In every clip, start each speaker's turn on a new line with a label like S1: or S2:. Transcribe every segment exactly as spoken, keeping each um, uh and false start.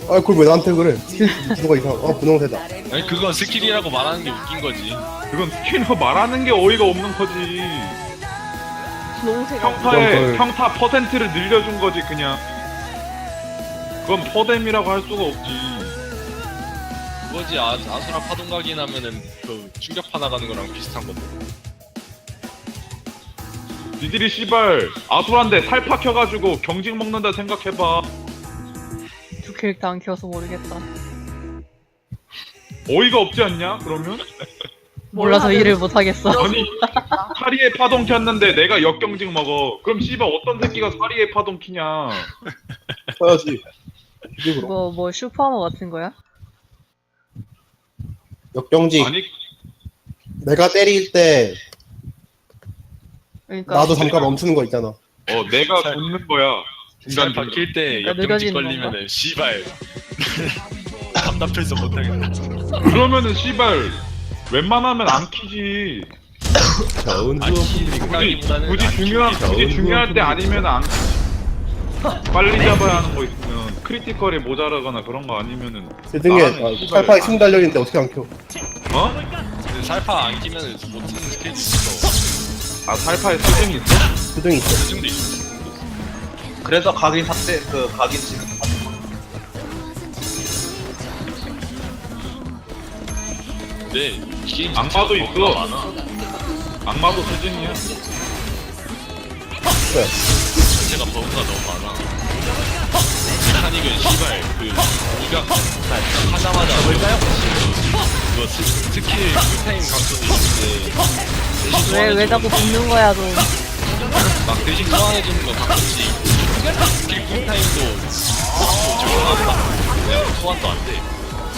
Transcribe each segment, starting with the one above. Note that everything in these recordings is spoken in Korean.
S1: 아 그걸 왜 나한테 그래? 스킬 주소가 이상. 아 분홍색이다.
S2: 아니 그건 스킬이라고 말하는 게 웃긴 거지.
S3: 그건 스킬로 말하는 게 어이가 없는 거지.
S4: 분홍색
S3: 평타에
S1: 그걸-
S3: 평타 퍼센트를 늘려준 거지 그냥. 그건 퍼뎀이라고 할 수가 없지.
S2: 그거지. 아, 아수라 파동각이 나면은 그 충격파 나가는 거랑 비슷한 건데.
S3: 니들이 씨발 아수라인데 살 박혀가지고 경직 먹는다 생각해봐.
S4: 두 캐릭터 안 키워서 모르겠다.
S3: 어이가 없지 않냐? 그러면?
S4: 몰라서 일을 못하겠어.
S3: 아니 사리에 파동 켰는데 내가 역경직 먹어. 그럼 씨발 어떤 새끼가 사리에 파동 키냐?
S1: 써야지. 이게 그럼.
S4: 뭐, 뭐 슈퍼하머 같은 거야?
S1: 역경직.
S3: 아니
S1: 내가 때릴 때
S4: 그러니까
S1: 나도 잠깐 멈추는 거 있잖아.
S3: 어 내가
S2: 살-
S3: 붙는 거야. 중간
S2: 살 박힐 때
S4: 그러니까
S2: 역경직
S4: 느려지는
S2: 걸리면은 씨발 답답해서 못하겠다.
S3: 그러면은 씨발 웬만하면 안 키지.
S1: 좋은
S2: 아니
S1: 후원분들이
S3: 굳이
S2: 생각보다는
S3: 굳이
S2: 안
S3: 중요한
S2: 키우지.
S3: 굳이 중요할 때 아니면 안 키지. 빨리 잡아야 하는 거 있으면 크리티컬이 모자라거나 그런 거 아니면은
S1: 제 등에
S3: 나는
S1: 아,
S3: 씨발-
S1: 팔팔에 침 달려있는데 어떻게 안 켜?
S3: 어?
S2: 근데 살파 안 끼면은 못 쓰는 스킬이 있어.
S3: 아 살파에 수증이 있어?
S1: 수등이 있어.
S2: 그 정도 있어.
S5: 그래서 각인 삭제 그 각인 지금
S2: 근데 이 게임
S3: 악마도
S2: 자체가
S3: 있어.
S2: 버그가 많아.
S3: 악마도 수증이야.
S1: 그래.
S2: 자체가 버그가 너무 많아. 메카닉은 씨발 그 이가 하자마자 뭘까요? 그거 스, 스킬 쿨타임 감소도 있는데 대신
S4: 왜, 왜 자꾸 붙는 거야, 너.
S2: 막 대신 소환해주는 거 가끔씩 스킬 쿨타임도 적용하고 그냥 소환도 안 돼.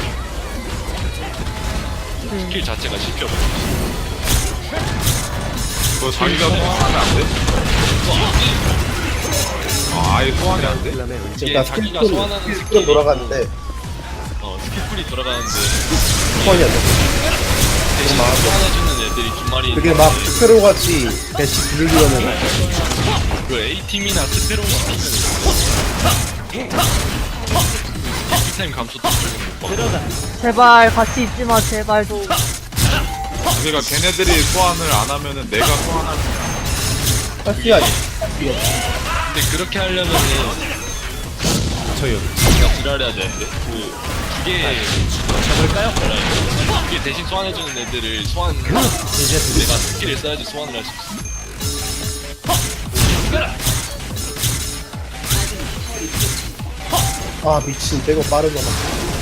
S2: 스킬 자체가 씹혀버려.
S3: 그거 자기가 소환하면 안 돼? 아, 아예 소환이 안 돼?
S1: 일단
S2: 자기가
S1: 스킬풀
S2: 소환하는
S1: 스킬풀은
S2: 스킬이
S1: 돌아가는데
S2: 어 스킬풀이 돌아가는데
S1: 소환이 안 돼.
S2: 대신 소환해주는 애들이 두 마리
S1: 그게 막 스페로 같이 배치 부르려면
S2: 그 A팀이나 스페로 시키면 스킬타임 감소도 적용 못 받아.
S4: 제발, 같이 있지 마, 제발 좀.
S3: 그러니까 걔네들이 소환을 안 하면은 내가 소환할
S1: 할수야
S2: 근데 그렇게 하려면은 저요 제가 지랄해야 되는데 그두개 잡을까요? 그게 대신 소환해주는 애들을 소환 내가 스킬을 써야지 소환을 할 수 있어.
S1: 아 미친 빼고 빠른 거 봐.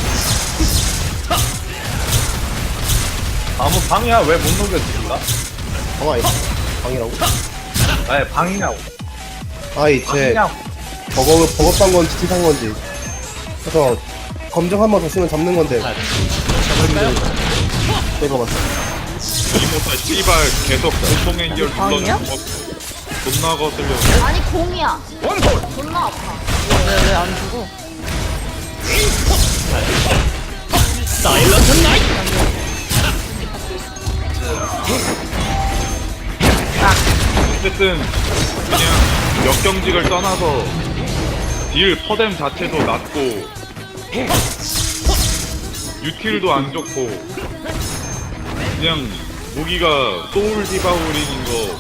S5: 아무 방이야 왜 못 녹여주는가?
S1: 방아 아니다. 방이라고?
S5: 아니 방이냐고
S1: 아이 제
S5: 방이냐고
S1: 버거 버거판 건지 티산 건지. 그래서 검정 한 번 더 쓰면 잡는 건데. 빼고 봤어.
S3: 이모타 씨발 계속 고통 연결
S4: 방이야?
S3: 눌러주고 존나 거슬려.
S6: 아니 공이야. 존나 아파.
S4: 왜, 왜 안 주고?
S3: 어쨌든 그냥 역경직을 떠나서 딜 퍼뎀 자체도 낮고 유틸도 안 좋고 그냥 무기가 소울 디바우링인 거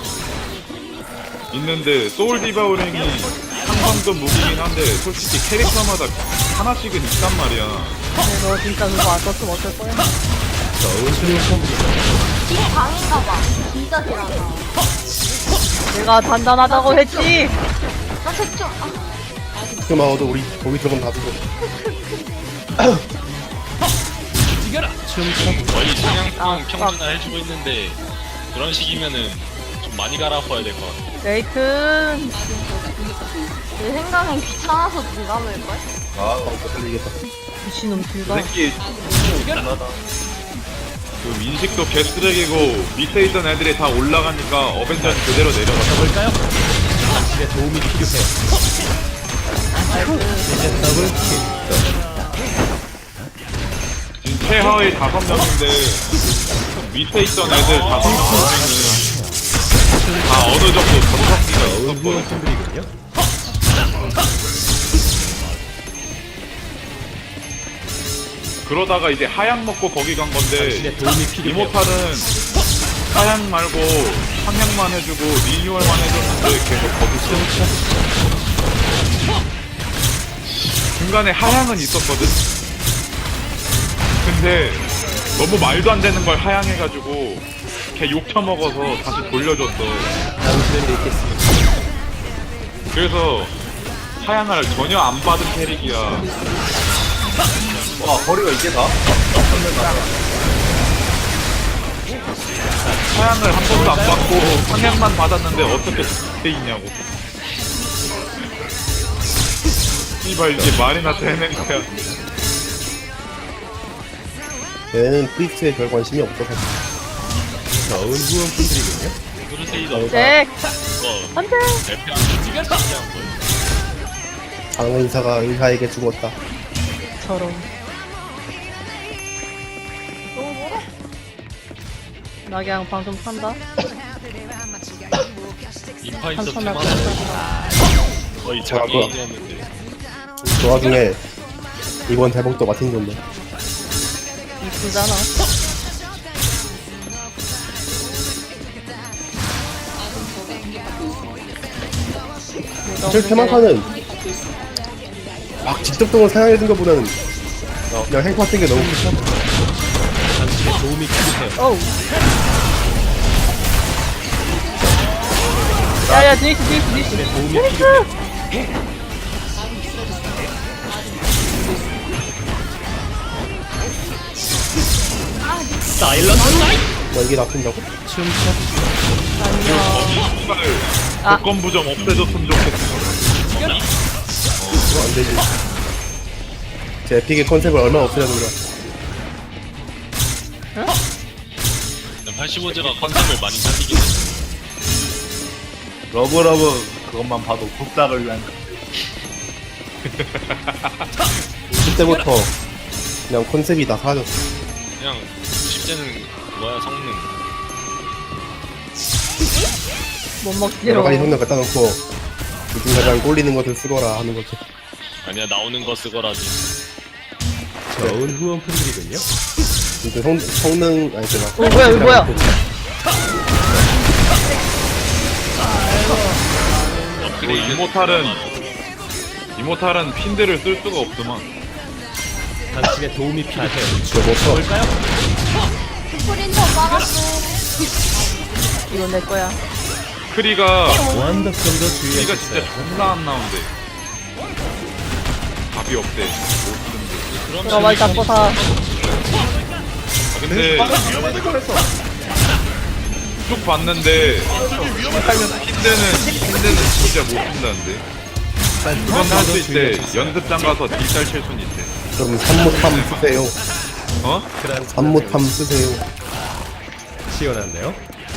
S3: 있는데 소울 디바우링이 상성급 무기긴 한데 솔직히 캐릭터마다 하나씩은 있단 말이야.
S4: 근데 너 진짜 그거 안 썼으면 어쩔 거야?
S6: 이게 방인가 봐. 진짜 싫어하나.
S4: 내가 단단하다고 했지!
S6: 나 색조. 아,
S1: 그 마어도 우리 거기 들어가면 다 죽어.
S2: 거의 사냥방
S4: 아,
S2: 평준화 해주고 있는데 그런 식이면은 좀 많이 갈아엎어야 될 것 같아.
S4: 레이튼!
S6: 내 생각엔 귀찮아서 들어가볼걸?
S5: 아
S1: 더 걸리겠다.
S4: 미친놈
S5: 그
S4: 둘다.
S5: 새끼 존나다
S3: 그 인식도 개쓰레기고 밑에 있던 애들이 다 올라가니까 어벤져는 그대로 내려갔어. 볼까요? 지금 최하위 다섯 명인데 밑에 있던 애들 다섯 명 중에는 다 어느 정도 전석기가 있었거든. 그러다가 이제 하양 먹고 거기 간 건데 이모탈은 하양 말고 상향만 해주고 리뉴얼만 해줬는데 계속 거기 쓰고 중간에 하향은 있었거든. 근데 너무 말도 안 되는 걸 하향해가지고 걔 욕 처먹어서 다시 돌려줬어.
S1: 당신을 읽겠습니다.
S3: 그래서 하향을 전혀 안 받은 캐릭이야.
S5: 와 거리가 이게 다?
S3: 하향을 한 번도 안 받고 상향만 받았는데 어떻게 돼 있냐고. 이발 이게 말이나 되는 거야.
S1: 얘는 프리스트에 별 관심이 없어서.
S2: 어, 크루세이더
S4: 잭!
S2: 그거
S4: 안 돼!
S2: 엘피랑 신기한 거예요.
S1: 장의사가 의사에게 죽었다.
S4: 저런. 낙양 방금 산다?
S2: 인파이터
S4: 한참
S2: 테마는
S4: 나갔다.
S2: 거의
S1: 제가 그거-
S2: 장애인이었는데
S1: 그 와중에 이번 대목도 마틴 존데.
S4: 이쁘잖아.
S1: 사실 테마카는 막 직접 동을 사용해준 것보다는 그냥 행파 같은 게 너무 좋다.
S4: 어우. 야야 드니스 드니스 드니스 드니스!
S1: 뭐 이게 나쁜다고?
S4: 아니요.
S3: 이거를
S4: 아.
S3: 조건 부정 없애줬으면 좋겠어.
S1: 그거 안 되지. 제 에픽의 컨셉을 얼마나 없애려는 거야.
S2: 팔십오 제가 컨셉을 많이 살리긴 했어.
S5: 러브러브 그것만 봐도 국작을 위한
S1: 오십 대부터 그냥 컨셉이 다 사라졌어.
S2: 그냥 십 대는 그거야 성능.
S4: 못
S1: 여러
S4: 먹지로.
S1: 가지 성능 갖다 놓고 누군가랑 꼴리는 것을 쓰거라 하는 거지.
S2: 아니야 나오는 거 쓰거라지.
S1: 좋은 후원품들이군요. 근데 성, 성능 아니 제가
S4: 어, 뭐야, 이거 뭐야?
S3: 그리고 이모탈은 이모탈은 핀들을 쓸 수가 없더만.
S1: 저못 써.
S6: 스프린터 막았어.
S4: 이건 내 거야.
S3: 크리가 크리가 진짜 존나 안 나온대. 답이 없대.
S4: 그럼 말 잡고 사.
S3: 아, 근데 쭉 봤는데 핀드는 핀드는 진짜 못 쓴다는데. 그건 할 수 있대. 연습장 가서 딜잘 칠 순 있대.
S1: 그럼 산모탐 쓰세요.
S3: 어?
S1: 산모탐 쓰세요.
S7: 시원한데요?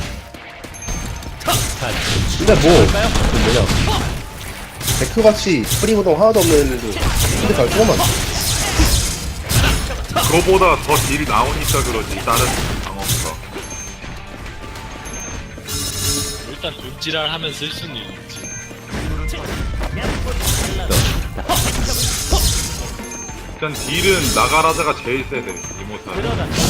S1: 근데 뭐, 그 뭐냐. 데크같이 프리보동 하나도 없는 애들도 근데 잘 쓰고만.
S3: 그거보다 더 딜이 나오니까 그러지. 다른 방어가.
S2: 일단 돈지랄 하면 쓸 수는 있지.
S3: 일단 딜은 나가라자가 제일 세대. 이모탈.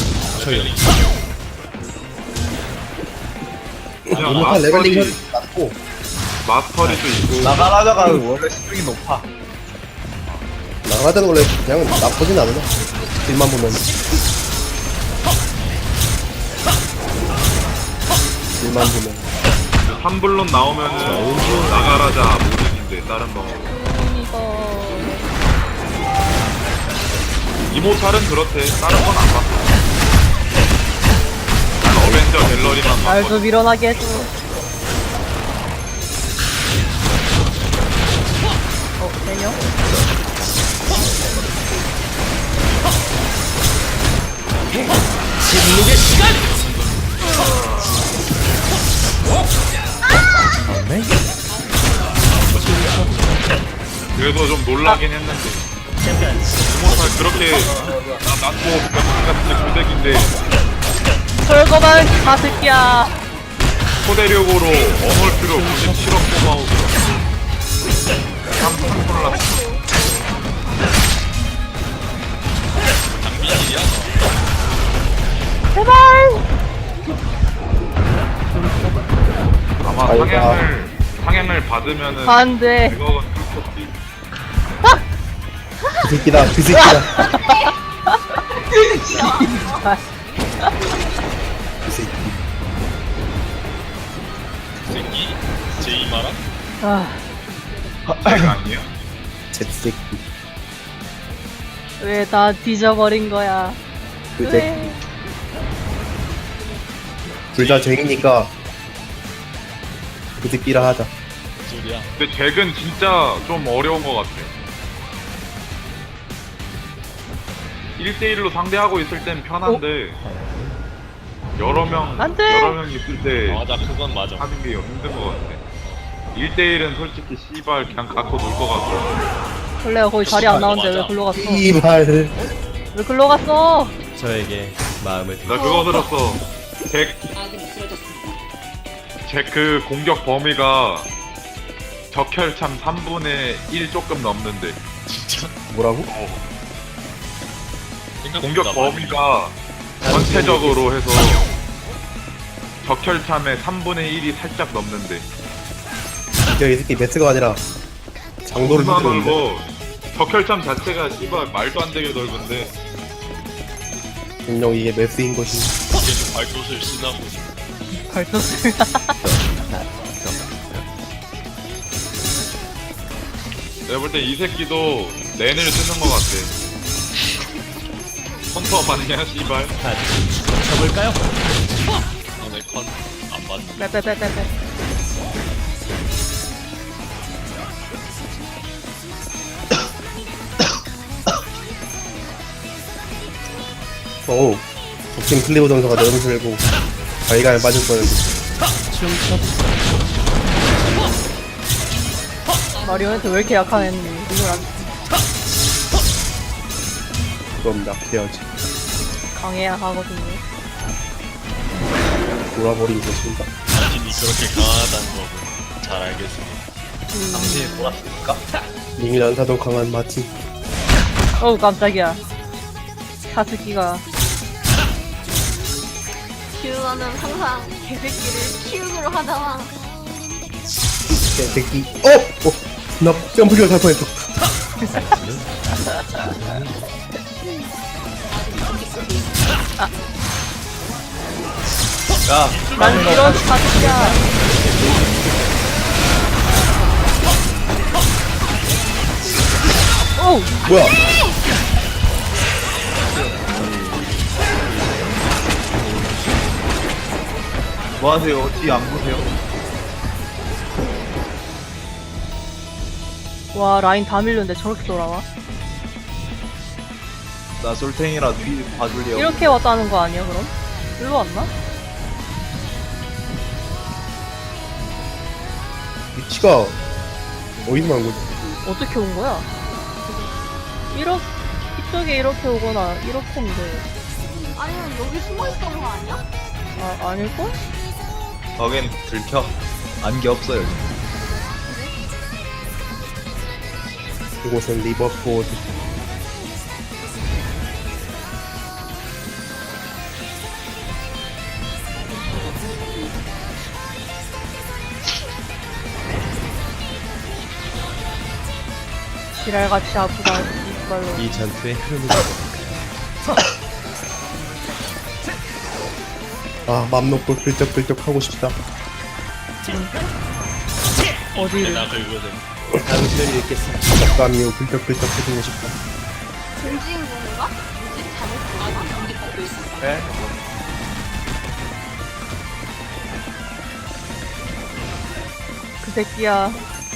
S3: 그냥
S1: 이모탈 레벨링
S3: 마스터리,
S1: 낮고,
S3: 마스터리도 있고.
S5: 나가라자가 원래 수준이 높아.
S1: 나가자는 원래 그냥 나쁘진 않아. 딜만 보면. 딜만 보면.
S3: 삼블론 나오면은 나가라자 모든인데 다른 방어.
S4: 이거.
S3: 이모탈은 그렇대. 다른 건 안 봤어. 난 어벤져 갤러리만
S4: 날도
S3: 봤거든.
S4: 밀어나게 해줘. 어, 되냐?
S3: 그래서 좀 놀라긴 했는데. 이모탈 그렇게 나 낮고 병신 같은 고데기인데
S4: 철거만 가득이야.
S3: 초대력으로 어물표로 구십칠억 뽑아오고 깜짝 놀랐어.
S2: 장비가
S3: 상향을 상향을 받으면은
S6: 안 돼.
S3: 백억은 뚫겠지.
S1: 그 새끼다 그 새끼다 그 새끼
S2: 새끼 제이마라
S6: 아,
S3: 제가 아니에요?
S1: 제 새끼
S6: 왜 다 뒤져버린 거야?
S1: 그 새끼
S6: 왜?
S1: 둘 다 쟁이니까 그 새끼라 하자.
S2: 무슨 소리야?
S3: 근데 잭은 진짜 좀 어려운 것 같아. 일 대일로 상대하고 있을 땐 편한데 여러 명
S6: 안 돼!
S3: 여러 명 있을 때
S2: 맞아 그건 맞아.
S3: 하는 게 힘든 것 같아. 일 대일은 솔직히 씨발 그냥 갖고 놀 것 같아.
S6: 원래 거기 자리 안 나오는데 왜
S2: 맞아.
S6: 글로 갔어?
S1: 이발
S6: 왜 글로 갔어?
S7: 저에게 마음을
S3: 나 그거 들었어. 잭, 잭 그 공격 범위가 적혈참 삼분의 일 조금 넘는데
S2: 진짜
S1: 뭐라고?
S3: 공격
S2: 생각보다
S3: 범위가 전체적으로 해서 적혈참의 삼분의 일이 살짝 넘는데
S1: 야, 이 새끼 매스가 아니라 장도를
S3: 존나
S1: 흔들었는데.
S3: 넓어. 적혈참 자체가 씨발 말도 안 되게 넓은데
S1: 분명 이게 매스인 것이.
S2: 계속 발도를 쓰나 보지.
S6: 발톱을.
S3: 내가 볼 때 이 새끼도 랜을 쓰는 것 같아. 헌터 맞냐 씨발.
S7: 쳐볼까요?
S2: 너네 컨안 맞네.
S6: 빼빼빼빼빼.
S1: 어우 독팀 클리브 전사가 너무 들고 자기가 빠질 뻔했는데.
S6: 마리오네트 왜 이렇게 약한 애니? 이걸 안
S1: 그럼 낙해야지.
S6: 강해야 하거든요.
S1: 돌아버린 것인가.
S2: 자신이 그렇게 강하다는 거고 잘 알겠습니다.
S5: 당신이 돌았으니까.
S1: 링 난사도 강한 마틴.
S6: 어우 깜짝이야. 사스키가
S8: 큐어는 항상 개새끼를 키우기로 하다가
S1: 개새끼. 어! 어! 나 점프기가 살 뻔했어.
S5: 야,
S6: 난 이런 사스키야. 어우
S1: 뭐야?
S5: 뭐 하세요? 뒤 안 보세요?
S6: 와 라인 다 밀렸는데 저렇게 돌아와?
S5: 나 솔탱이라 뒤 봐줄래요?
S6: 이렇게 왔다는 거 아니야 그럼? 일로 왔나?
S1: 위치가 어디서 난 거지?
S6: 어떻게 온 거야? 이렇게 이쪽에 이렇게 오거나 이렇게인데
S8: 아니면 여기 숨어 있던 거 아니야?
S6: 아 아닐걸?
S5: 거긴 들켜. 안개 없어 여기.
S1: 이곳은 리버포드.
S6: 지랄같이 아프다 이빨로.
S7: 이 전투의 흐름을 보볼까요?
S1: 아, 맘 놓고 끌적끌적 하고 싶다.
S6: 어디를?
S2: 나 긁거든.
S7: 당신을 읽겠습니다.
S1: 적감이요, 끌적끌적 해주고 싶다.
S8: 김지인 건가? 뭐지? 잘못 봤나?
S5: 네?
S6: 그 새끼야.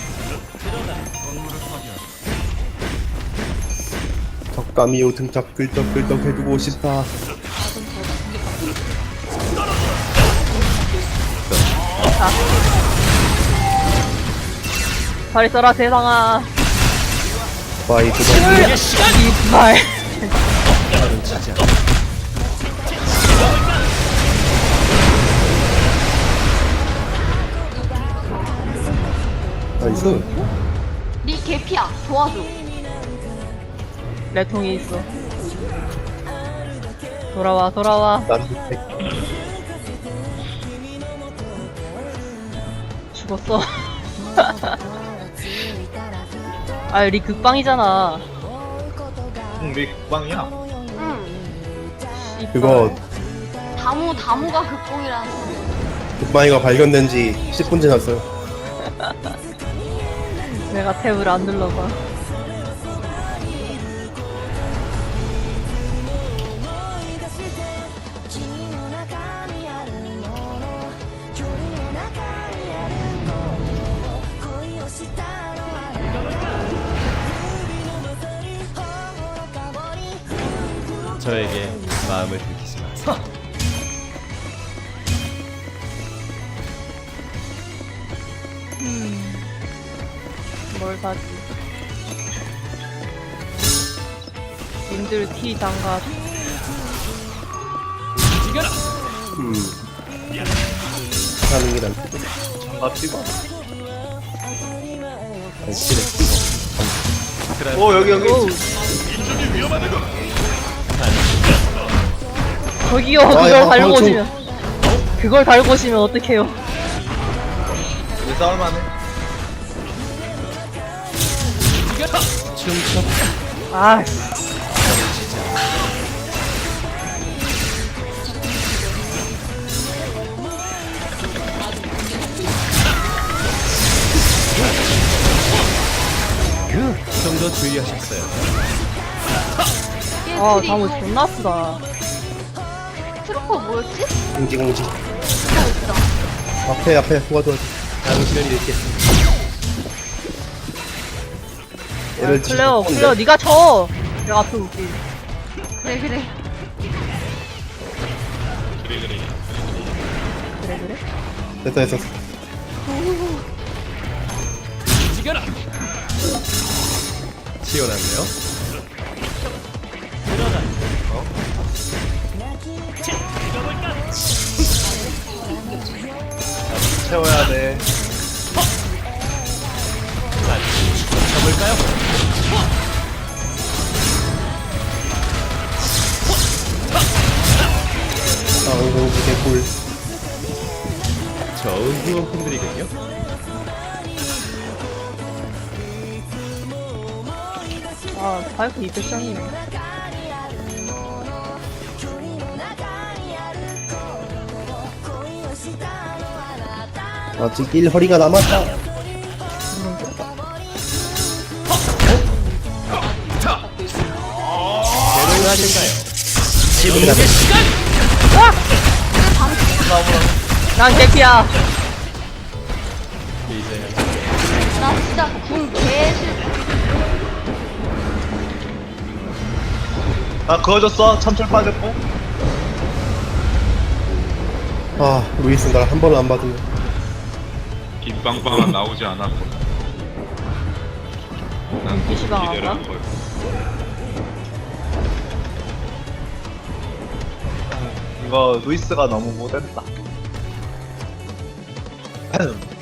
S1: 적감이요, 등짝 끌적끌적 해주고 싶다.
S6: 잘 있어라 세상아.
S1: 바이 구독.
S6: 이빨.
S1: 나이스.
S8: 니 개피야. 도와줘.
S6: 내 통이 있어. 돌아와 돌아와.
S1: 난 밑에.
S6: 죽었어. 아, 리 극방이잖아.
S5: 응, 왜 국방이야?
S8: 응.
S1: 그거
S8: 다무 다무가 극공이라는 소리.
S1: 굿바이가 발견된 지 십 분 지났어요.
S6: 내가 탭을 안 눌러봐.
S7: 저에게 마음을 들키지 마세요.
S6: 뭘 사지? 님들 티 장갑.
S1: 음. 하는 게 낫지.
S5: 장갑 찍어.
S1: 아니, 싫어.
S5: 오, 여기, 여기.
S6: 오. 저기요,
S1: 아,
S6: 그걸
S1: 야,
S6: 달고
S1: 방금
S6: 오시면. 그걸 달고 오시면 어떡해요?
S5: 왜 싸울만해?
S6: 아, 씨.
S7: 좀 더 주의하셨어요.
S6: 아, 다무 존나 아프다.
S8: 트루퍼 뭐였지?
S1: 공지 공지.
S8: 어 있다.
S1: 앞에 앞에 도와줘야지.
S7: 당신을 잃겠습니다.
S1: 얘를
S6: 클레어,
S1: 지금
S6: 클레어, 니가 쳐! 내가 앞에 올게.
S8: 그래 그래.
S2: 그래 그래.
S6: 그래, 그래?
S1: 됐어 됐어.
S7: 시원한데요?
S5: 채워야 돼.
S7: 쳐볼까요?
S1: 아 공지 개꿀.
S7: 좋은 후원품들이군요.
S6: 아, 파이프 이백 장이네.
S1: 아직 일 허리가 남았다.
S7: 대동하실까요?
S6: 난 개피야.
S7: 이제
S8: 나 진짜 궁 개실.
S5: 나 그어줬어. 참철 빠졌고.
S1: 아 루이스 날 한 번을 안 받으면.
S3: 김빵빵은 나오지 않았고. 난
S6: 피시방
S3: 기대를
S6: 안
S3: 한 거야.
S5: 이거 루이스가 너무 못했다.